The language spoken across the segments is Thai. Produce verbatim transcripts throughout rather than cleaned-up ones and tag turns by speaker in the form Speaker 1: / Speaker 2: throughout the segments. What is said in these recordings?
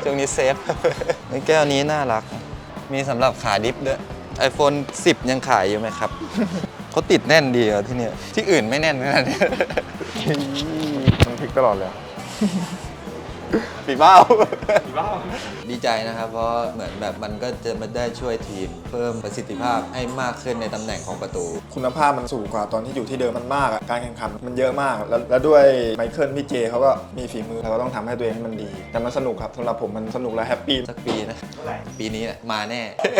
Speaker 1: ช่วงนี้เซฟในแก้วนี้น่ารักมีสำหรับขาดิฟด้วย iPhone สิบยังขายอยู่ไหมครับ เขาติดแน่นดีอ่ะที่เนี่ยที่อื่นไม่แน่นขนาดนี้
Speaker 2: มันพลิกตลอดเลย
Speaker 1: ปีเบ้าปีเบ้าดีใจนะครับเพราะเหมือนแบบมันก็จะมาได้ช่วยทีมเพิ่มประสิทธิภาพให้มากขึ้นในตำแหน่งของประตู
Speaker 2: คุณภาพมันสูงกว่าตอนที่อยู่ที่เดิมมันมากอะการแข่งขันมันเยอะมากแล้วแล้วด้วยไมเคิลพี่เจเขาก็มีฝีมือเราก็ต้องทำให้ตัวเองให้มันดีแต่มันสนุกครับสำหรับผมมันสนุกและแฮปปี้
Speaker 1: สักปีนะปีนี้มาแน่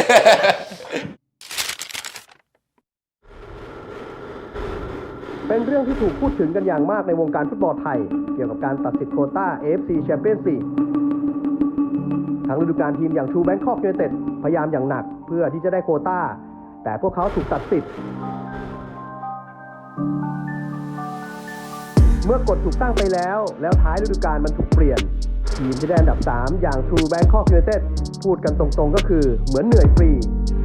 Speaker 3: เป็นเรื่องที่ถูกพูดถึงกันอย่างมากในวงการฟุตบอลไทยเกี่ยวกับการตัดสิทธิ์โควต้า เอ เอฟ ซี Champions League ทั้งฤดูกาลทีมอย่าง True Bangkok United พยายามอย่างหนักเพื่อที่จะได้โควต้าแต่พวกเขาถูกตัดสิทธิ์เมื่อกฎถูกตั้งไปแล้วแล้วท้ายฤดูกาลมันถูกเปลี่ยนทีมที่ได้อันดับสามอย่าง True Bangkok United พูดกันตรงๆก็คือเหมือนเหนื่อยฟรี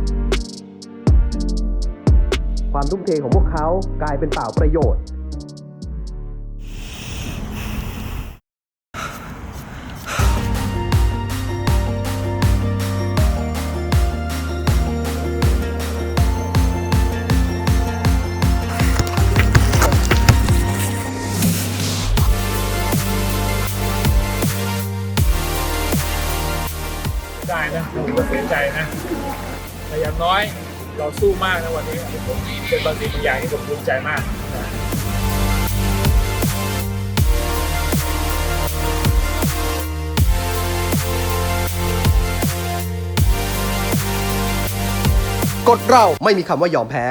Speaker 3: ความทุ่มเทของพวกเขากลายเป็นเปล่าประโยชน์
Speaker 4: ได้นะผมก็เสียใจนะแต่อย่างน้อยเราสู้มากนะวันนี้ผมเป็นบางสิ่งบางอย่างที่ผมภูมิใจมากนะ
Speaker 3: กฎเราไม่มีคำว่ายอมแพ้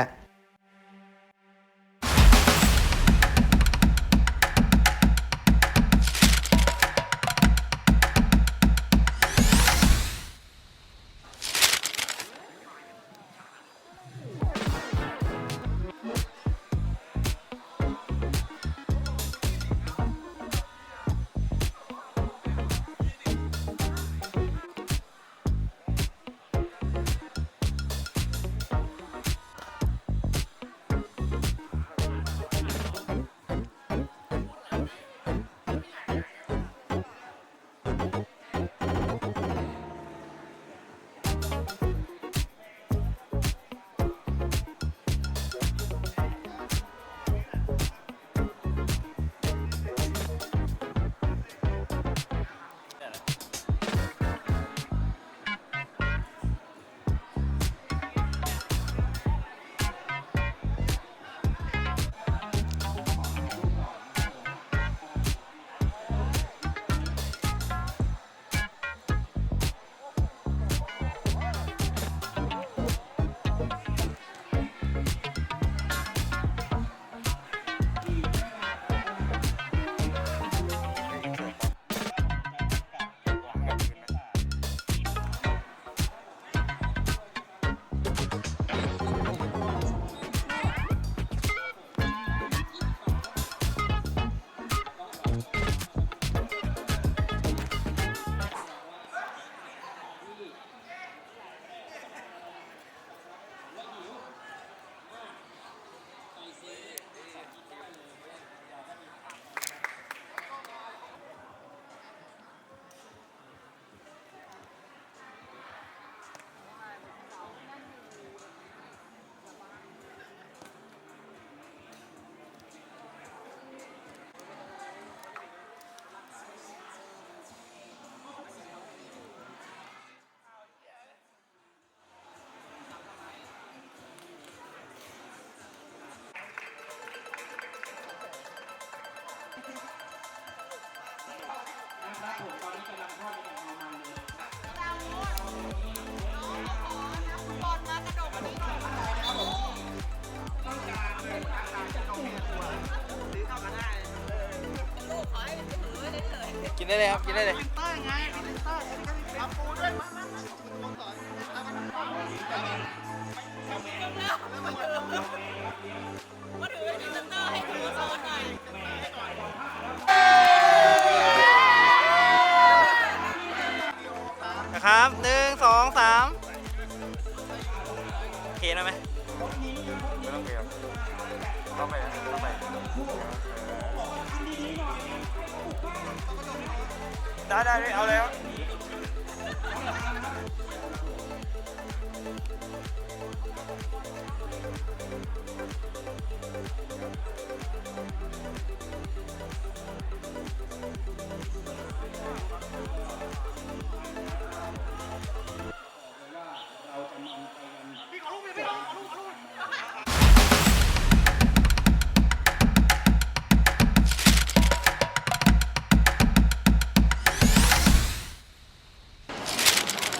Speaker 1: กินได้เลยครับกินได้เลยนะครับหนึ่งสองสามโอเคนะไหมไม่ต้องเปลี่ยนต้องไปต้องไปได้ได้เอาเลยครับ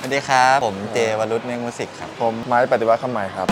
Speaker 1: วัสดีครับ ผมเจวรุษเมฆมุสิกครับ
Speaker 2: ผมไม้ปฏิวัติคำใหม่ครับ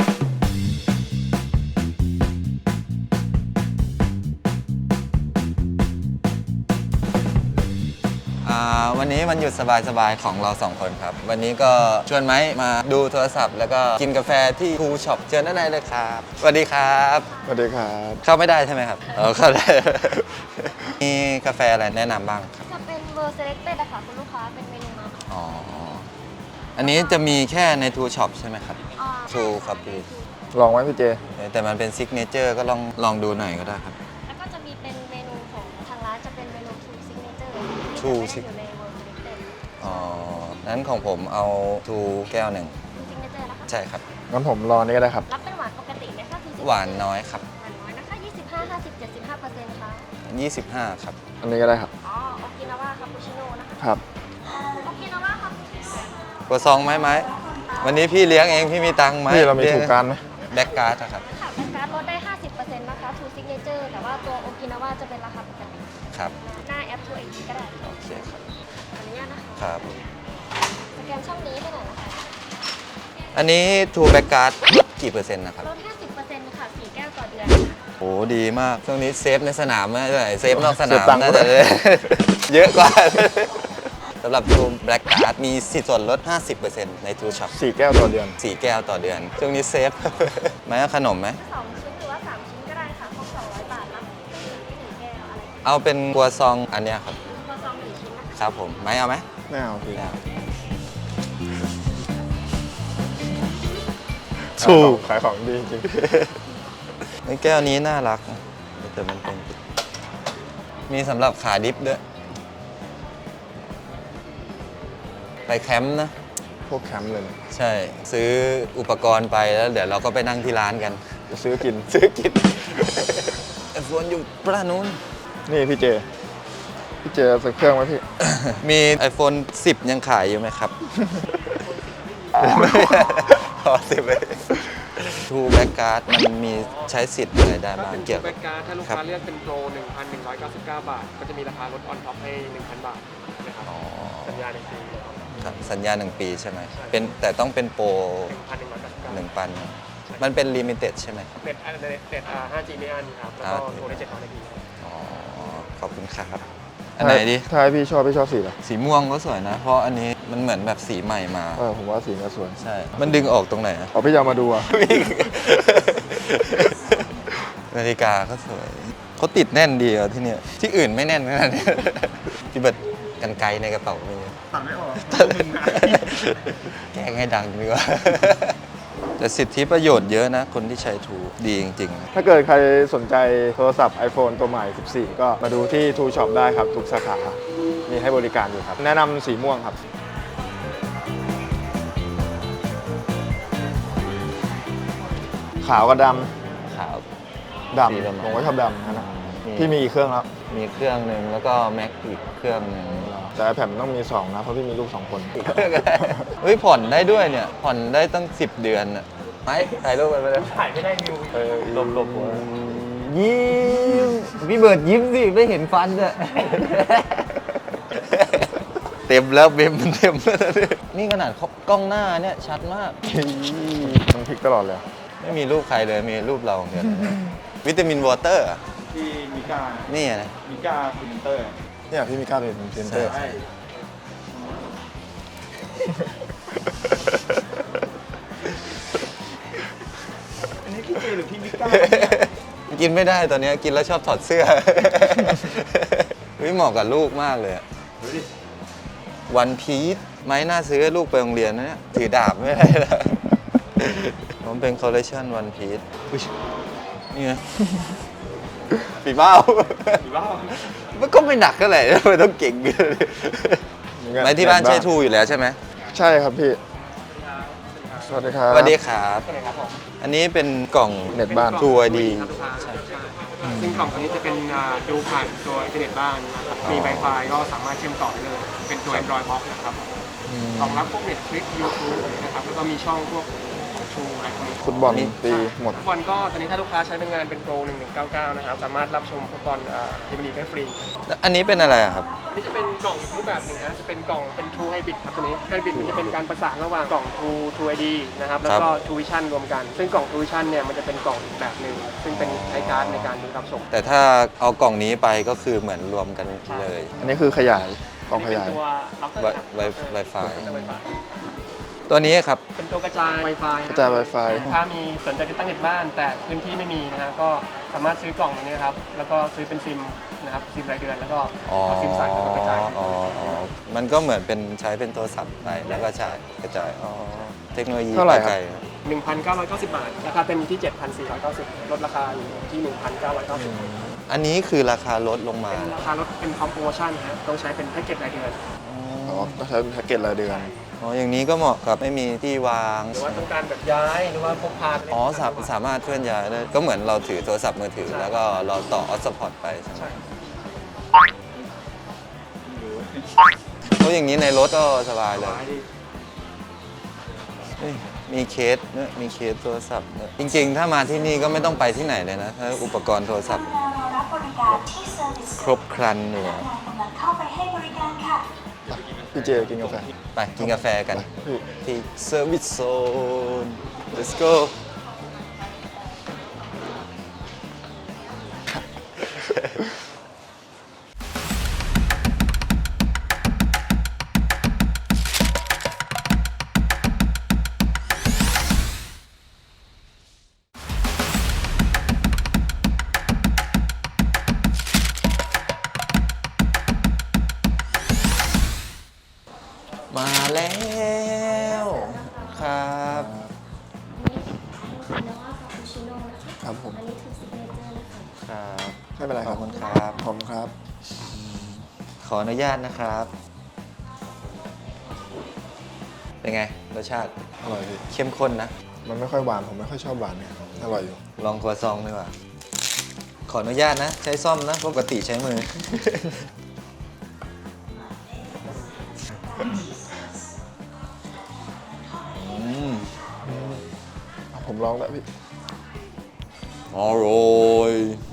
Speaker 1: วันนี้มันหยุดสบายๆของเราสองคนครับ วันนี้ก็ชวนไม้มาดูโทรศัพท์ แล้วก็กินกาแฟที่ทูช็อปเชิญด้านในเลยครับสวัสดีครับ
Speaker 2: สวัสดีครับ
Speaker 1: เข้าไม่ได้ใช่ไหมครับเออเข้าได้ มีกาแฟอะไรแนะนำบ้างครับ
Speaker 5: จะเป็นเวอร์เซเล็กเต็ดอะค่ะคุณลูกค้าเป็นเมนูมาม่า
Speaker 1: อ๋ออันนี้จะมีแค่ในทูช็อปใช่ไหมครับ
Speaker 5: อ่า
Speaker 1: ทูครับพี่
Speaker 2: ลองไว้พี่เจ
Speaker 1: แต่มันเป็นซิกเนเจอร์ก็ลองลองดูหน่อยก็ได้ครับ
Speaker 5: แล้วก็จะมีเป็นเมนูของทางร้านจะเป็นเมนูทูซิกเนเจอร์
Speaker 1: True
Speaker 5: ที่จะไม่ได้อยู่ในเวอร์เซเล็กเต็ด
Speaker 1: อ๋อนั้นของผมเอาทูแก้วหนึ่ง
Speaker 5: ทูซิกเนเจอร์นะคะ
Speaker 1: ใช่ครับ
Speaker 2: งั้นผมรอนี่ก็ได้ครับ
Speaker 5: รับเป็นหวานปกติไหมคะทูซิก
Speaker 1: หวานน้อยครับ
Speaker 5: หวานน้อยนะคะยี่สิบห้า ห้าสิบ เจ็ดสิบห้าเปอร์เซ็นต์ค่ะ
Speaker 1: ยี่สิบห้าครับ
Speaker 2: อันนี้ก็ได้ครับ
Speaker 5: อ๋อโอกินาวาคาปูชิโน่นะคะ
Speaker 2: ครับ
Speaker 5: โอกินาวาคาปูชิโน่
Speaker 1: กดซองไหมไหมวันนี้พี่เลี้ยงเองพี่มีตังค์ไหม
Speaker 2: พี่เรามีถูกการไหม
Speaker 1: แบ็กการ์ดอะครับ
Speaker 5: ค่ะเป็นการดลดได้ ห้าสิบเปอร์เซ็นต์นะคะทูซิกเนเจอร์แต่ว่าตัวโอกินาวาจะเป็นราคาปกติ
Speaker 1: ครับ
Speaker 5: หน้าแอปทูไอดีก็ได้
Speaker 1: โอเคครับ
Speaker 5: ขออนุญาตนะคะ
Speaker 1: ครับ
Speaker 5: สแกนช่องนี้ให้หน่อยนะคะ
Speaker 1: อันนี้ทูแบ็กการ์ดลดกี่เปอร์เซ็นต์นะครับ
Speaker 5: ลด ห้าสิบเปอร์เซ็นต์ ค่ะสี่แก้วต่อเดือน
Speaker 1: โอ้ดีมากช่วงนี้เซฟในสนามไม่ได้เซฟนอกส
Speaker 2: เสี
Speaker 1: นาย ม
Speaker 2: ตังค์
Speaker 1: น่า
Speaker 2: ด้
Speaker 1: จะ
Speaker 2: วย
Speaker 1: เยอะกว่า สำหรับทูแบ็กการ์ดมีสิทธิ์ส่วนลด ห้าสิบเปอร์เซ็นต์ ในทูช็อป
Speaker 2: สี่แก้วต่อเดือน
Speaker 1: สี่แก้วต่อเดือน ช่วงนี้เซฟ ไหมเอาขนมไหม
Speaker 5: สองชิ้นหรือว่าสามชิ้นก็ได้ค่ะครบสองร้อยบาทรับเครื่องดื่มที่หนึ่งแก้วอะไร
Speaker 1: เอาเป็นกัวซองอันเนี้ยครับ
Speaker 5: ครัวซองหนึ่งชิ้นนะคะ
Speaker 1: ครับผมไหมเอาไหม
Speaker 2: ไม่เอาพี่
Speaker 1: ไม่เอา
Speaker 2: ถูกขายของดีจริง
Speaker 1: ไอ้แก้วนี้น่ารักนะแต่มันเป็นมีสำหรับขาดิฟด้วย ไปแคมป์นะ
Speaker 2: พวกแคมป์เลยเนี่ย
Speaker 1: ใช่ซื้ออุปกรณ์ไปแล้วเดี๋ยวเราก็ไปนั่งที่ร้านกัน
Speaker 2: จะซื้อกิน
Speaker 1: ซื้อกิน ไอโฟนอยู่ปรานู้น
Speaker 2: นี่พี่เจ พี่เจสักเครื่องไหมพี่
Speaker 1: มี iPhone สิบยังขายอยู่ไหมครับ พอสิบเลยทูแบ็กการ์ดมันมีใช้สิทธิ์อะไรได้
Speaker 6: ถ้า
Speaker 1: บ้าง
Speaker 6: เป็น
Speaker 1: เกี่ยว
Speaker 6: แบ็
Speaker 1: กับ
Speaker 6: กการ์ดถ้าลูก
Speaker 1: ครั
Speaker 6: ค้า
Speaker 1: บ
Speaker 6: เลือกเป็นโปร หนึ่งพันหนึ่งร้อยเก้าสิบเก้า บาท ก็จะมีราคาลดออนท็อปให้ หนึ่งพัน บาทนะครับ
Speaker 1: อ๋อ
Speaker 6: สัญญาหนึ่งปี
Speaker 1: ครับสัญญาหนึ่งปีใช่ไหมเป็นแต่ต้องเป็นโปร
Speaker 6: หนึ่งพันหนึ่งร้อยเก้าสิบเก้า
Speaker 1: หนึ่งปันมันเป็นลิมิเต็ดใช่ไหมครับ
Speaker 6: เน็ตอันเน็ตเน็ตอ่า ห้าจี ไม่อันครับ แล้วก็โทรได้เจ็ดร้อยนาที
Speaker 1: อ๋อ ขอบคุณครับ อันไหนดี
Speaker 2: ถ้าให้พี่ชอบพี่ชอบสีอะไร
Speaker 1: สีม่วงก็สวยนะ เพราะอันนี้มันเหมือนแบบสีใหม่มา
Speaker 2: เออผมว่าสีนี้สวย
Speaker 1: ใช่ มันดึงออกตรงไหนอะ
Speaker 2: เอาพี่จะเอามาดูอ่ะ
Speaker 1: นาฬิกาก็สวย เขาติดแน่นดีอ่ะที่เนี่ย ที่อื่นไม่แน่นขนาดนี้ พี่เบิร์ดกันไกลในกระเป๋าไม่เยอะ
Speaker 6: ตัดไม่ออก
Speaker 1: แกล้งให้ดังดีกว่า แต่สิทธิประโยชน์เยอะนะ คนที่ใช้ทูดีจริงๆ
Speaker 2: ถ้าเกิดใครสนใจโทรศัพท์ iPhone ตัวใหม่ สิบสี่ ก็มาดูที่ ทูช็อป ได้ครับ ทุกสาขา มีให้บริการอยู่ครับ แนะนำสีม่วงครับ ขาวกับด
Speaker 1: ขาว
Speaker 2: ำ
Speaker 1: สีประมาณ
Speaker 2: ดำผมก็ชอบดำนะ
Speaker 1: มี
Speaker 2: พี่มีอีกเครื่องแล้ว
Speaker 1: มีเครื่องหนึ่งแล้วก็แม็กอีกเครื่องหนึ่ง
Speaker 2: แต่ iPad มันต้องมีสองนะ เพราะพี่มีลูกสองคน
Speaker 1: เฮ้ยผ่อนได้ด้วยเนี่ย ผ่อนได้ตั้งสิบเดือนอะไปถ่ายรูปกันไปเลย
Speaker 6: ถ่ายไม่ได้วิว
Speaker 1: เออหลบหลบยิ้มพี่เบิร์ดยิ้มสิ ไม่เห็นฟันอะเต็มแล้วเบมเต็มแล้วนี่ขนาดกล้องหน้าเนี่ยชัดมาก
Speaker 2: มันพลิกตลอดเลย
Speaker 1: ไม่มีรูปใครเลยมีรูปเราเดียววิตามินวอเตอร์
Speaker 6: ที่มิก้า
Speaker 1: นี่นะ
Speaker 6: มิก้าฟิลเตอร์
Speaker 2: เนี่ยพี่มีกล้าเป็นพรีเซนเตอร์
Speaker 1: ใช่
Speaker 6: อันนี้พี่เจหรือพี่มิก้า
Speaker 1: กินไม่ได้ตอนนี้กินแล้วชอบถอดเสื้อ วิเหมาะกับลูกมากเลยวันพีชไม้น่าซื้อให้ลูกไปโรงเรียนนะเนี่ยถือดาบไม่ได้แล้วมันเป็นคอลเลคชันวันพีชนี่ไงปีเบ้า
Speaker 6: หรือว่า
Speaker 1: มันก็ไม่หนักเท่าไหร่ทำไมต้องเก่งไม้ที่บ้านใช้ทูอยู่แล้วใช่ไหม
Speaker 2: ใช่ครับพี่ สวัสดีครับ
Speaker 1: สวัสดีครับ
Speaker 6: อะไรครับผม
Speaker 1: อันนี้เป็นกล่อง
Speaker 2: เน็ตบ้าน
Speaker 1: ทูไอดี
Speaker 6: ครับลูกค้าใช่ซึ่งกล่องตัวนี้จะเป็นอ่าดูผ่านตัวอินเทอร์เน็ตบ้านนะครับมี Wi-Fi ก็สามารถเชื่อมต่อได้เลย เป็นตัว Android Box นะครับรองรับพวก Netflix YouTube นะครับ แล้วก็มีช่องพวกชูอะไรพวกนี้
Speaker 2: ฟุตบอลตีหมด
Speaker 6: ฟุตบอลก็ตอนนี้ถ้าลูกค้าใช้เป็นงานเป็นโปรหนึ่งหนึ่งเก้าเก้านะครับสามารถรับชมฟุตบอลพรีเมียร์ลีกได้ฟรี
Speaker 1: อันนี้เป็นอะไรอะครับ
Speaker 6: นี่จะเป็นกล่องอีกรูปแบบหนึ่งนะจะเป็นกล่องเป็น True Hybrid ครับตัวนี้ Hybrid มันจะเป็นการประสานระหว่างกล่อง True True ไอ ดี นะครับแล้วก็ True Vision รวมกัน ซึ่งกล่อง True Vision เนี่ยมันจะเป็นกล่องอีกแบบหนึ่งซึ่งเป็นใช้การ์ดในการดูรับชม
Speaker 1: แต่ถ้าเอากล่องนี้ไปก็คือเหมือนรวมกันเลย
Speaker 2: อันนี้คือขยายกล่องขยาย
Speaker 6: เป็นตัว router
Speaker 1: ไว
Speaker 6: ครับ
Speaker 1: ไว Wi-Fi
Speaker 6: เป็นตัว Wi-Fi
Speaker 1: ตัวนี้ครับ
Speaker 6: เป็นตัวกระจาย Wi-Fi
Speaker 2: กระจาย Wi-Fi
Speaker 6: ถ้ามีสนใจติดตั้งเน็ตบ้านแต่พื้นที่ไม่มีนะฮะก็สามารถซื้อกล่องตัวนี้ครับแล้วก็ซื้อเป็นซิมนะครับซิมรายเดือนแล้วก็
Speaker 1: อ๋อ
Speaker 6: เอาซิมใส่แล้วก็กระจาย
Speaker 1: อ๋ออ๋อมันก็เหมือนเป็นใช้เป็นโทรศัพท์ไปแล้วก็ใช้กระจาย อ๋อ เทคโนโลยี
Speaker 2: เท่าไหร่ครับ
Speaker 1: ปก
Speaker 6: หนึ่งพันเก้าร้อยเก้าสิบบาทราคาเต็มอยู่ที่ เจ็ดพันสี่ร้อยเก้าสิบ ลดราคาอยู่ที่ หนึ่งพันเก้าร้อยเก้าสิบ
Speaker 1: อันนี้คือราคาลดลงมา
Speaker 6: เป็นราคาลดเป็นคอมโพชั่นนะฮะต้องใช้เป็นแพ็กเกจรายเดือน
Speaker 2: อ๋อต้องใช้เป็นแพ็กเกจรายเดือน
Speaker 1: อ๋อ อย่างนี้ก็เหมาะกับไม่มีที่วาง
Speaker 6: หรือว่าต้องการแบบย้ายหรือว่าพกพาไปเล่น
Speaker 1: อ๋อสาสามารถเคลื่อนย้ายได้ ก็เหมือนเราถือโทรศัพท์มือถือ
Speaker 6: ใช่
Speaker 1: แล้วก็เราต่อออสพอร์ตไปใช่ไหม
Speaker 6: ใช่
Speaker 1: เพราะอย่างนี้ในรถก็สบายเลย
Speaker 6: ย้ายดิ
Speaker 1: เฮ้ยมีเคสเนี่ยมีเคสโทรศัพท์เนี่ยจริงๆ ถ้ามาที่นี่ก็ไม่ต้องไปที่ไหนเลยนะ ถ้าอุปกรณ์โทรศัพท์
Speaker 7: รับบริการที่เซอร์วิส
Speaker 1: ครบครันอยู่
Speaker 7: พนักงานกำลังเข้าไปให้บริการค่ะ
Speaker 2: พี่เจกินกาแฟ
Speaker 1: ไปกินกาแฟกัน
Speaker 2: พี่
Speaker 1: ที่ Service Zone let's go มาแล้วครับ
Speaker 5: อันนี้โอกินาว่าคาปูชิโน่นะคะ
Speaker 2: ครับผม
Speaker 5: อันนี้คือซิกเนเจอร์เลยค่ะ
Speaker 1: ครับ
Speaker 2: ไม่เป็นไรครับ
Speaker 1: ขอบคุณครับ
Speaker 2: ผมครับ
Speaker 1: ขออนุญาตนะครับ เป็นไง รสชาติ
Speaker 2: อร่อยพี่
Speaker 1: เข้มข้นนะ
Speaker 2: มันไม่ค่อยหวาน ผมไม่ค่อยชอบหวานเนี่ยอร่อยอยู่
Speaker 1: ลองครัวซองดีกว่า ขออนุญาตนะ ใช้ซ่อมนะ ปกติใช้มือ อืม
Speaker 2: ผมลองแล้วพี่
Speaker 1: อร่อย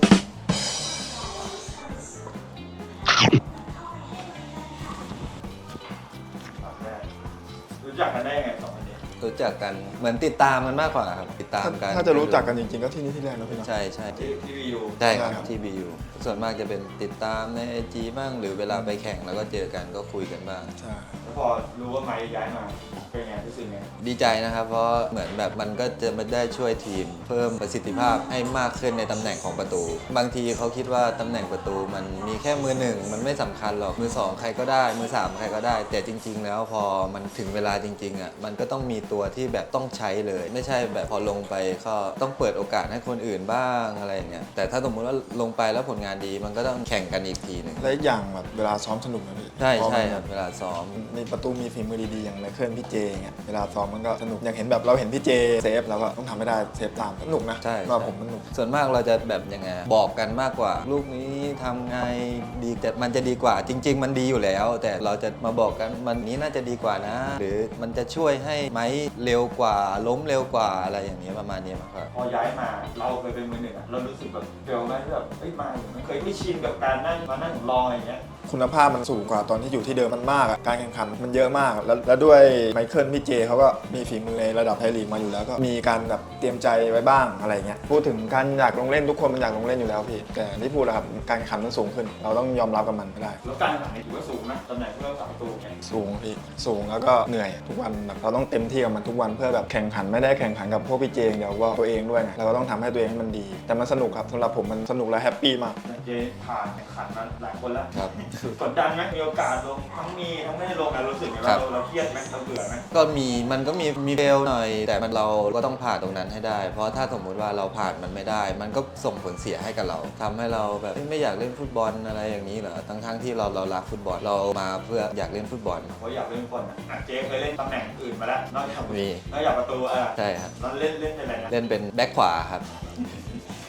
Speaker 8: รู้จักกันได้ยังไงสองคนนี้
Speaker 1: รู้จักกัน เหมือนติดตามกันมากกว่าครับ ติดตาม
Speaker 2: ถ้า
Speaker 1: กัน
Speaker 2: ถ้าจะรู้จักกันจริงๆ ก็ที่นี่ที่แรกนะพี่เนาะ
Speaker 1: ใช่ใช่
Speaker 8: ที่ที่วียู
Speaker 1: ใช่ครับ
Speaker 2: ใช่ครับ
Speaker 1: ที่ บี ยู ส่วนมากจะเป็นติดตามในไอจีบ้าง หรือเวลาไปแข่งแล้วก็เจอกันก็คุยกันบ้าง
Speaker 2: ใช่
Speaker 8: แล้วพอรู้ว่าไม้ย้ายมา เป็นไงรู้สึกไง
Speaker 1: ดีใจนะครับ เพราะเหมือนแบบมันก็จะมาได้ช่วยทีม เพิ่มประสิทธิภาพให้มากขึ้นในตำแหน่งของประตู บางทีเขาคิดว่าตำแหน่งประตูมันมีแค่มือหนึ่งมันไม่สำคัญหรอกมือสองใครก็ได้ มือสามใครก็ได้ แต่จริง ๆ แล้วพอมันถึงเวลาจริงๆอ่ะมันก็ต้องมีตัวที่แบบต้องใช้เลย ไม่ใช่แบบพอลงไปก็ต้องเปิดโอกาสให้คนอื่นบ้างอะไรอย่างเงี้ยแต่ถ้าสมมุติว่าลงไปแล้วผลงานดีมันก็ต้องแข่งกันอีกทีหนึ่ง
Speaker 2: และอีกอย่างแบบเวลาซ้อมสนุกนะพี่
Speaker 1: ใช่
Speaker 2: เพาะ
Speaker 1: ใช่
Speaker 2: มัน
Speaker 1: ครับเวลาซ้อม
Speaker 2: มีประตูมีฝีมือดีๆ อย่างไมเคิลพี่เจอย่างเงี้ยเวลาซ้อมมันก็สนุก อย่างเห็นแบบเราเห็นพี่เจเซฟเราก็ต้องทำให้ได้เซฟตามสนุกนะ
Speaker 1: ใช่
Speaker 2: ว่าผมสนุก
Speaker 1: ส่วนมากเราจะแบบยังไงบอกกันมากกว่า ลูกนี้ทำไงดีแต่มันจะดีกว่าจริง ๆ มันดีอยู่แล้ว แต่เราจะมาบอกกันมันนี้น่าจะดีกว่านะ หรือมันจะช่วยให้ไม้เร็วกว่าล้มเร็วกว่าอะไรอย่างนี้ประมาณนี้มากกว่า
Speaker 8: พอย้ายมาเราเคยเป็นมือหนึ่งอะเรารู้สึกแบบเฟลไหมที่แบบเอ้ยมามันเคยไม่ชินกับการนั่งมานั่งรออย่างเงี้ย
Speaker 2: คุณภาพมันสูงกว่าตอนที่อยู่ที่เดิมมันมากอะการแข่งขันมันเยอะมาก แล้วแล้วด้วยไมเคิลพี่เจเขาก็มีฝีมือในระดับไทยลีกมาอยู่แล้วก็มีการแบบเตรียมใจไว้บ้างอะไรเงี้ยพูดถึงการอยากลงเล่นทุกคนมันอยากลงเล่นอยู่แล้วพี่แต่ที่พูดแหละครับการแข่งขันมันสูงขึ้น เราต้องยอมรับกับมันไม่ได้
Speaker 8: แล้วการแข่งขันนี่ถือว่าสูงนะตำแหน่งผู้รักษาประตูแข่ง
Speaker 2: สูงพี่สูงแล้วก็เหนื่อยทุกวันแบบเราต้องเต็มที่กับมันทุกวันเพื่อแบบแข่งขันไม่ได้แข่งขันกับพวกพี่เจอย่างเดียวว่าตัวเองด้วยไงเราก็ต้องทำให้ตัวเองให้มันดี แต่มันสนุกครับสำหรับผมมันสนุกและแฮปปี้มาก
Speaker 8: เจผ่านแข่งขันมาหลายคนแล้ว
Speaker 1: ครับ
Speaker 8: กดดันไหมมีโอกาสลงทั้งมีทั้งไม่ได้ลงอะรู้สึกไง
Speaker 1: ครั
Speaker 8: ว่า
Speaker 1: บ
Speaker 8: เราเราเครียดไหมเราเบื่อไหม
Speaker 1: ก็มีมันก็มีมีเฟลหน่อย แต่มันเราก็ต้องผ่านตรงนั้นให้ได้ เพราะถ้าสมมุติว่าเราผ่านมันไม่ได้ มันก็ส่งผลเสียให้กับเราทำให้เราแบบเอ้ยไม่อยากเล่นฟุตบอลอะไรอย่างนี้เหรอทั้งทั้งๆที่เราเรารักฟุตบอลเรามาเพื่ออยากเล่นฟุตบอล
Speaker 8: เพราะอยากเล่นบอลอะอ่ะเจเคยเล่นตำแหน่งอื่นมาแล้วนอกจาก
Speaker 1: มี
Speaker 8: นอกจากประตูอ่ะ
Speaker 1: ใช่ครับ
Speaker 8: ตอนเล่นเล่นเป็นอะไรนะ
Speaker 1: เล่นเป็นแบ็คขวาครับ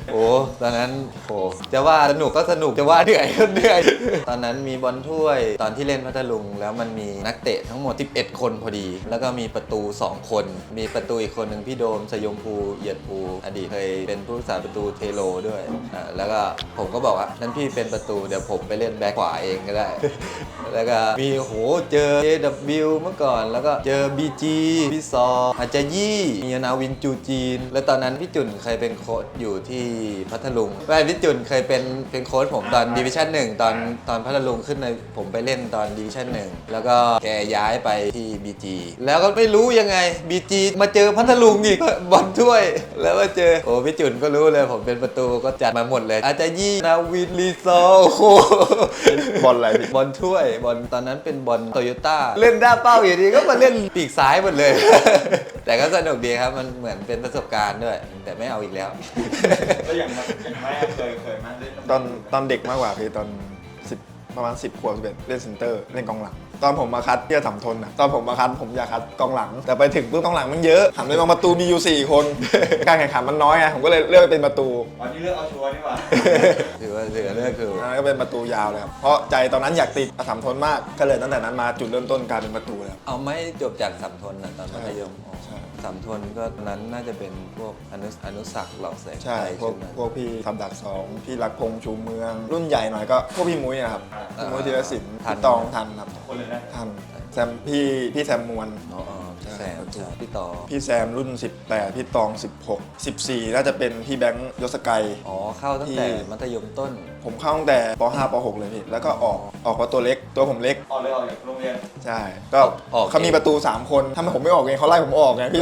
Speaker 1: โอ้ตอนนั้นโหจะว่าสนุกก็สนุกจะว่าเหนื่อยก็เหนื่อย ตอนนั้นมีบอลถ้วยตอนที่เล่นพัทลุงแล้วมันมีนักเตะทั้งหมดสิบเอ็ดคนพอดี แล้วก็มีประตูสองคน มีประตูอีกคนหนึ่งพี่โดมสยมภูเอียดภูอดีตเคยเป็นผู้รักษาประตูเทโลด้วยอ่าแล้วก็ผมก็บอกว่านั้นพี่เป็นประตูเดี๋ยวผมไปเล่นแบ็คขวาเองก็ได้ แล้วก็มีโหเจอ เอ ดับเบิลยู เมื่อก่อนแล้วก็เจอ บี จี พี่ซออาจารย์ยี่มีนาวินจูจีน แล้วตอนนั้นพี่จุนเคยเป็นโค้ชอยู่ที่พัทลุงไม่พี่จุนเคยเป็นเป็นโค้ชผมตอนดิวิชั่นหนึ่งตอนตอนพัทลุงขึ้นในผมไปเล่นตอนดิวิชั่นหนึ่งแล้วก็แกย้ายไปที่ บี จี แล้วก็ไม่รู้ยังไง บี จี มาเจอพัทลุงอีกบอลถ้วย แล้วมาเจอโอ้พี่จุนก็รู้เลยผมเป็นประตูก็จัดมาหมดเลย อาจารย์ยี่นาวินลีซอโอ้โห
Speaker 2: บอลอะไรพี่
Speaker 1: บอลถ้วยบอลตอนนั้นเป็นบอลโตโยต้าเล่นด้าเป้าอยู่ดีก็มาเล่นปีกซ้ายหมดเลย แต่ก็สนุกดีครับมันเหมือนเป็นประสบการณ์ด้วย แต่ไม่เอาอีกแล้ว
Speaker 8: แล้วอย่างมันอย่างไม่เคยเคยมาเล่น
Speaker 2: ตอนตอนเด็กมากกว่าพี่ตอนสิบประมาณสิบขวบสิบเอ็ดเล่นเซนเตอร์เล่นกองหลัง ตอนผมมาคัดที่จะสำทนอ่ะตอนผมมาคัดผมอยากคัดกองหลัง แต่ไปถึงปุ๊บกองหลังมันเยอะหันไปมองประตูมีอยู่สี่คน การแข่งขันมันน้อยไงผมก็เลยเลือกเป็นประตู
Speaker 8: อ๋อนี่เลือกเอาชัวร์นี่หว่า
Speaker 1: ถือว่าถือว่าเลือกคือ
Speaker 2: อันนั้นก็เป็นประตูยาวเลยครับเพราะใจตอนนั้นอยากติดสำทนมากก็เลยตั้งแต่นั้นมาจุดเริ่มต้นกลายเป็นประตูแล้ว
Speaker 1: เอาไม่จบจากสัมทนนะตอนมัธยม
Speaker 2: ใช่
Speaker 1: สัมทนก็ตอนนั้นน่าจะเป็นพวกอนุอนุสักดิ์เหล่าแสง
Speaker 2: ใช่
Speaker 1: ไทย
Speaker 2: พวก
Speaker 1: ใช่ไหม
Speaker 2: พวกพี่ทำดักสองพี่รักพงษ์ชูเมือง รุ่นใหญ่หน่อยก็พวกพี่มุ้ยนะครับพี่มุ้ยธีรศิลป์
Speaker 1: ทัน
Speaker 2: พี่ตองทันครับ
Speaker 8: คนเลยนะ
Speaker 2: ทันแซมพี่พี่แซมมวล
Speaker 1: อ๋ออ๋อพี่แซม
Speaker 2: ใช่
Speaker 1: ใช่พี่ต่อ
Speaker 2: พี่แซมรุ่นสิบแปดพี่ตองสิบหก สิบสี่น่าจะเป็นพี่แบงค์ยศกัย
Speaker 1: อ๋อเข้าตั้งแต่มัธยมต้น
Speaker 2: ผมเข้าตั้งแต่ป ห้า ป หก เลยพี่แล้วก็ออกออกเพราะตัวเล็กตัวผมเล็ก
Speaker 8: ออกเลยออกจากโรงเรียน
Speaker 2: ใช่ก็
Speaker 1: ออก
Speaker 2: เขามี
Speaker 1: เอง
Speaker 2: ประตูสามคนถ้าผมไม่ออกเองเขาไล่ผมออกไงพี่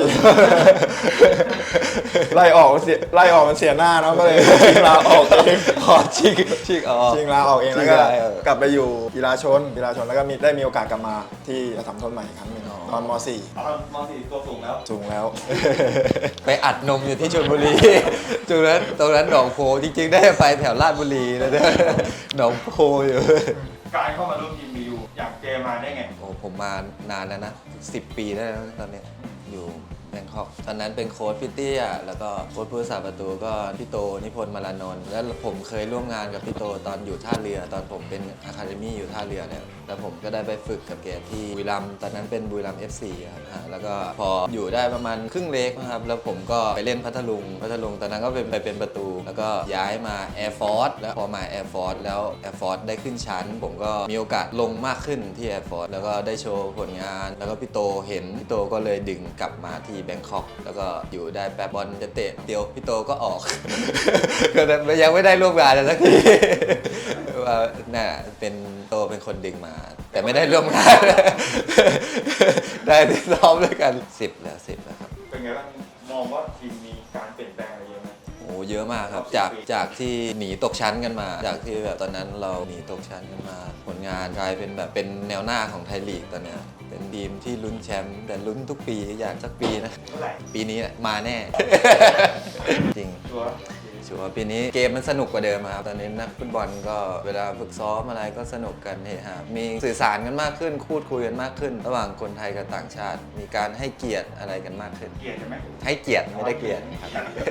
Speaker 2: ไล่ออกเสียไล่ออกมันเสียหน้าเนาะก็เลยชิงลาออกเอง
Speaker 1: อ๋อชิกชิกอ๋อ
Speaker 2: ชิงลาออกเองแล้วก็
Speaker 1: ชิงลาเออก
Speaker 2: ลับไปอยู่กีฬาชนกีฬาชนแล้วก็มีได้มีโอกาสกลับมาที่อัสสัมทนใหม่อีกครั้งหนึ่งตอนม .สี่
Speaker 8: เอามสี่ตัวสูงแล้ว
Speaker 2: สูงแล้ว
Speaker 1: ไปอัดนมอยู่ที่ชลบุรี ตรงนั้นตรงนั้นหนองโพจริงๆได้ไปแถวลาดบุรีนะเนี่ยหนองโพอยู่
Speaker 8: การเข้ามาร่วมทีมมีอยู่อยากเจมาได้ไง
Speaker 1: โอ้ผมมานานแล้วนะสิบปีได้แล้วตอนเนี้ยอยู่แบงคอกตอนนั้นเป็นโค้ชพี่เตี้ยแล้วก็โค้ชผู้รักษาประตูก็พี่โตนิพนธ์มาลานนท์แล้วผมเคยร่วมงานกับพี่โตตอนอยู่ท่าเรือ ตอนผมเป็นอะคาเดมี่อยู่ท่าเรือเนี่ยแล้วผมก็ได้ไปฝึกกับแกที่บุรีรัมย์ตอนนั้นเป็นบุรีรัมย์ เอฟ ซี ครับอ่าแล้วก็พออยู่ได้ประมาณครึ่งเล็กนะครับแล้วผมก็ไปเล่นพัทลุงพัทลุงตอนนั้นก็เป็นไปเป็นประตู แล้วก็ย้ายมา Air Force แล้วพอมา Air Force แล้ว Air Force ได้ขึ้นชั้น ผมก็มีโอกาสลงมากขึ้นที่ Air Force แล้วก็ได้โชว์ผลงาน แล้วก็พี่โตเห็นพี่โตก็เลยดึงกลับมาที่แบงคอกแล้วก็อยู่ได้แป๊บบอลจะเตะเดียวพี่โตก็ออก ก็ยังไม่ได้ร่วมงานเลยสักที ว่าน่ะเป็นโตเป็นคนดึงมา แต่ไม่ได้ร่วมงาน ได้ที่ซ้อมด้วยกันสิบแล้วสิบแล้วครับ
Speaker 8: เป็นไงบ้างมองว่าทีมมีการเปลี่ยนแปลงอะไรเยอะไหม
Speaker 1: โอ้เยอะมากครับจากจากที่หนีตกชั้นกันมา จากที่แบบตอนนั้นเราหนีตกชั้นกันมา ผลงานกลายเป็นแบบเป็นแนวหน้าของไทยลีกตอนเนี้ยเป็นทีมที่ลุ้นแชมป์แต่ลุ้นทุกปีอยากสักปีนะ
Speaker 8: เท่าไหร่
Speaker 1: ปีนี้แหละมาแน่ จริง
Speaker 8: ชัวร์
Speaker 1: ชัวร์ปีนี้เกมมันสนุกกว่าเดิมครับตอนนี้นักฟุตบอลก็เวลาฝึกซ้อมอะไรก็สนุกกันเฮฮามีสื่อสารกันมากขึ้นพูดคุยกันมากขึ้น ระหว่างคนไทยกับต่างชาติ มีการให้เกียรติอะไรกันมากขึ้น
Speaker 8: เกลียดใช่ไหม
Speaker 1: ให้เกียรติไม่ได้เกลียดครับ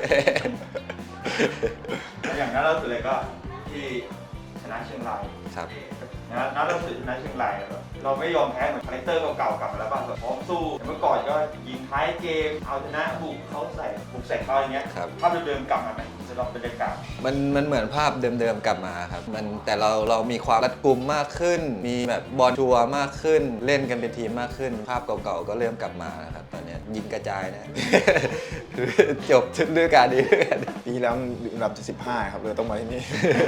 Speaker 8: อย่างนั้นเราสุดเลยก็ที่ชนะเชียงราย
Speaker 1: ครับ
Speaker 8: นะนัดเราสุดชนะเชียงรายแบบเราไม่ยอมแพ้เหมือนคาแรคเตอร์เก่าๆกลับมาแล้วป่ะแบบพร้อมสู้แต่เมื่อก่อนก็ยิงท้ายเกมเอาชนะบุกเขาใส่บุกใส่เขาอย่างเงี้ย
Speaker 1: ครับ
Speaker 8: ภาพเดิมๆกลับมาไหมสำหรับบรรยากาศ
Speaker 1: มันมันเหมือนภาพเดิมๆกลับมาครับมันแต่เราเรามีความรัดกุมมากขึ้น มีแบบบอลชัวร์มากขึ้น เล่นกันเป็นทีมมากขึ้น ภาพเก่าๆก็เริ่มกลับมานะครับตอนเนี้ยยิงกระจายนะ จบฤดูกาลนี้ด้วยกัน
Speaker 2: ปีแล้วอยู่อันดับที่สิบห้าครับเลยต้องมาที่นี่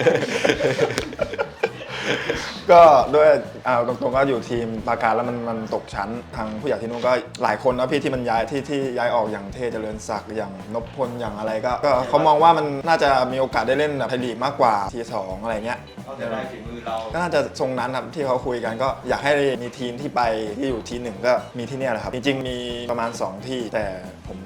Speaker 2: ก็ด้วยเอาตรงๆก็อยู่ทีมปราการแล้วมันมันตกชั้นทางผู้ใหญ่ที่นู่นก็หลายคนนะพี่ที่มันย้ายที่ที่ย้ายออกอย่างเทเจริญศักดิ์อย่างนพพลอย่างอะไรก็ก็เขามองว่ามันน่าจะมีโอกาสได้เล่นแบบไทยลีกมากกว่าทีสองอะไรเงี้ย
Speaker 8: เขาจะได้ฝีมือเรา
Speaker 2: ก็น่าจะทรงนั้นครับที่เขาคุยกันก็อยากให้มีทีมที่ไปที่อยู่ทีหนึ่งก็มีที่เนี่ยแหละครับ จริงๆมีประมาณสองที่แต่ผม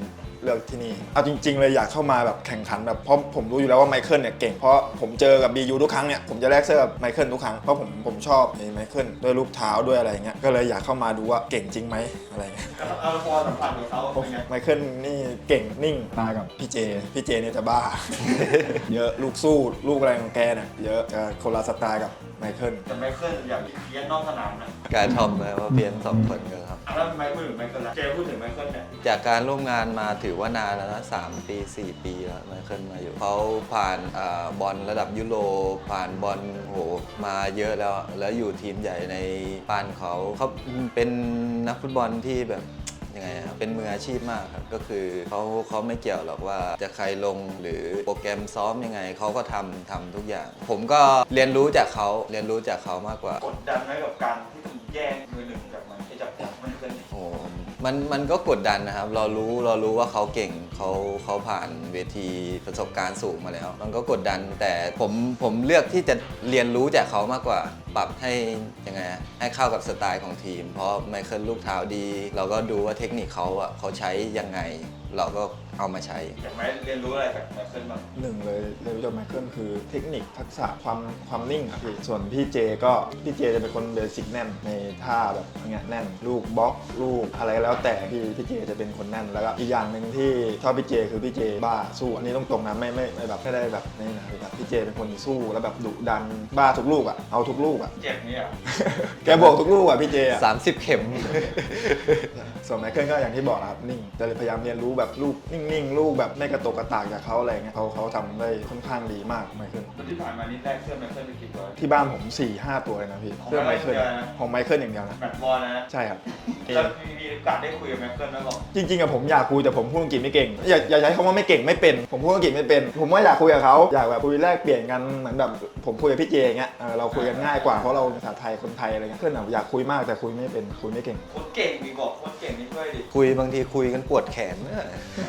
Speaker 2: ลือกที่นี่เอาจริงๆเลยอยากเข้ามาแบบแข่งขันแบบเพราะผมรู้อยู่แล้วว่าไมเคิลเนี่ยเก่งเพราะผมเจอกับ บี ยู ทุกครั้งเนี่ยผมจะแลกเสื้อกับไมเคิลทุกครั้งเพราะผมผมชอบไมเคิลด้วยรูปเท้าด้วยอะไรเงี้ยก็เลยอยากเข้ามาดูว่าเก่งจริงไหมอะไรเงี้ย
Speaker 8: เอาพอสัมผัสกับเขาเป็นไง
Speaker 2: ไมเคิลนี่เก่งนิ่งตากับพี่เจพี่เจเนี่ยจะบ้า เยอะลูกสู้ลูกอะไรของแกเนี่ยเยอะจะคนละสไตล์กับไมเคิล
Speaker 8: แต่ไมเคิลอย่างเพี้ยนนอกสนามนะ
Speaker 1: กายทอมเลยว่าเพียนสองคนกันครับ
Speaker 8: อ่ะแล้วไมเคิลหรือไมเคิลละเจพูดถึงไมเคิลเนี่ย
Speaker 1: จากการร่วมงานมาถือว่านานแล้วนะสามปีสี่ปีแล้วไมเคิลมาอยู่เขาผ่านอ่าบอลระดับยุโรปผ่านบอลโหมาเยอะแล้วแล้วอยู่ทีมใหญ่ในบ้านเขาเขาเป็นนักฟุตบอลที่แบบยังไงอะเป็นมืออาชีพมากครับก็คือเขาเขาไม่เกี่ยวหรอกว่าจะใครลงหรือโปรแกรมซ้อมยังไงเขาก็ทำทำทุกอย่าง ผมก็เรียนรู้จากเขาเรียนรู้จากเขามากกว่า
Speaker 8: กดดันไหมกับการที่คุณแย่งมือหนึ่งจากมันที่จากจากไมเคิล
Speaker 1: โอ้มันมันก็กดดันนะครับ เรารู้เรารู้ว่าเขาเก่งเขาเขาผ่านเวทีประสบการณ์สูงมาแล้ว มันก็กดดันแต่ผมผมเลือกที่จะเรียนรู้จากเขามากกว่า ปรับให้ยังไงอะให้เข้ากับสไตล์ของทีม เพราะไมเคิลลูกเท้าดี เราก็ดูว่าเทคนิคเขาอะเขาใช้ยังไง เราก็เอามาใช้
Speaker 8: อยากไหมเรียนรู้อะไรจากไมเคิลบ้าง
Speaker 2: หนึ่งเลยเรียนรู้จากไมเคิลคือเทคนิคทักษะความความนิ่งอะพี่ส่วนพี่เจก็พี่เจจะเป็นคนเบสิกแน่นในท่าแบบอย่างเงี้ยแน่นลูกบล็อกลูกอะไรแล้วแต่พี่พี่เจจะเป็นคนแน่นแล้วก็อีกอย่างหนึ่งที่ชอบพี่เจคือพี่เจบ้าสู้อันนี้ต้องตรงนะไม่ไม่ไม่แบบไม่ได้แบบนี่นะแบบพี่เจเป็นคนสู้แล้วแบบดุดันบ้าทุกลูกอ่ะเอาทุกลูกอ่ะ
Speaker 8: เจ็บเนี่ย
Speaker 2: แกบอกทุกลูกอ่ะพี่เจอ่ะ
Speaker 1: สามสิบ เข็ม
Speaker 2: ส่วนไมเคิลก็อย่างที่บอกนะครับนิ่งจะพยายามเรียนรู้แบบลูกนิ่งๆลูกแบบไม่กระตกกระตากจากเขาอะไรเงี้ยเขาเขาทำได้ค่อนข้างดีมากไมเคิล
Speaker 8: ที่ผ่านมานี่ได้เสื้อไมเคิลไปกี่ตัว
Speaker 2: ที่บ้านผมสี่ห้าตัวเลยนะพี่
Speaker 8: ของ
Speaker 2: เสื้อไมเคิล
Speaker 8: ไมเคิลนะ
Speaker 2: ของไมเคิลอย่างเดียวนะ
Speaker 8: แมตช์บอลนะ
Speaker 2: ใช่ครับ
Speaker 8: แล้วมีมีโอกาสได้คุยกับไมเคิลไหมบอก
Speaker 2: จริงๆอะผมอยากคุยแต่ผมพูดอังกฤษไม่เก่งอย่าอย่าใช้คำว่าไม่เก่งไม่เป็นผมพูดอังกฤษไม่เป็น ผมว่าอยากคุยกับเขาอยากแบบคุยแลกเปลี่ยนกันเหมือนแบบผมคุยกับพี่เจอย่างเงี้ยเออเราคุยกันง่ายกว่าเพราะเราภาษาไทยคนไทยอะไรเงี้ยเพื่อนอะอยากคุยมากแต่คุยไม่เป็นคุยไม่เก่ง
Speaker 8: โคตรเก่งดีบอกโคตรเก่งนี่ช่วยดิ
Speaker 1: คุยบางทีคุยกันปวดแขนเนี่ย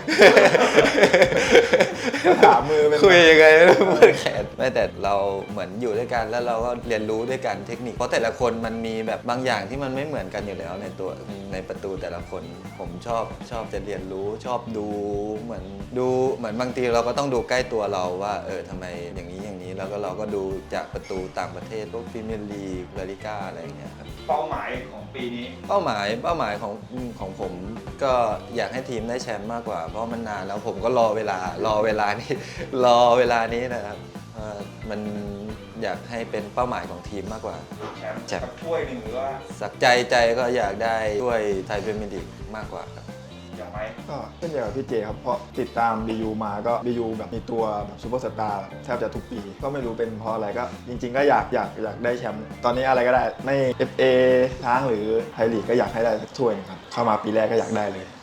Speaker 2: ถามมือเป็น
Speaker 1: คุยยังไงไม่รู้ปวดแขนไม่แต่เราเหมือนอยู่ด้วยกันแล้วเราก็เรียนรู้ด้วยกันเทคนิคเพราะแต่ละคนมันมีแบบบางอย่างที่มันไม่เหมือนกันอยู่แล้วในตัวในประตูแต่ละคนผมชอบชอบจะเรียนรู้ชอบดูเหมือนดูเหมือนบางทีเราก็ต้องดูใกล้ตัวเราว่าเออทำไมอย่างนี้อย่างนี้แล้วก็เราก็ดูจากประตูต่างประเทศพวกพรีเมียร์ลีกลาลิก้าอะไรอย่างเงี้ยครับ
Speaker 8: เป้าหมายของปีนี้
Speaker 1: เป้าหมายเป้าหมายของของผมก็อยากให้ทีมได้แชมป์มากกว่าเพราะมันนานแล้วผมก็รอเวลารอเวลานี้ รอเวลานี้นะครับเอ่อมันอยากให้เป็นเป้าหมายของทีมมากกว่า
Speaker 8: แชมป์
Speaker 1: แชมป์
Speaker 8: สักถ้วยหนึ่งหรือว่า
Speaker 1: สักใจใจก็อยากได้ด้วยไทยพรีเมียร์ลีกมากกว่าครับ
Speaker 8: อยากไหม
Speaker 2: ก็เช่นเดียวกับพี่เจครับเพราะติดตาม บี ยู มาก็ บี ยู แบบมีตัวแบบซูเปอร์สตาร์แทบจะทุกปีก็ไม่รู้เป็นเพราะอะไรก็จริง ๆ ก็อยากอยากอยากได้แชมป์ตอนนี้อะไรก็ได้ไม่ เอฟ เอ ช้างหรือไทยลีกก็อยากให้ได้สักถ้วยหนึงครับเข้ามาปีแรกก็อยากได้เลย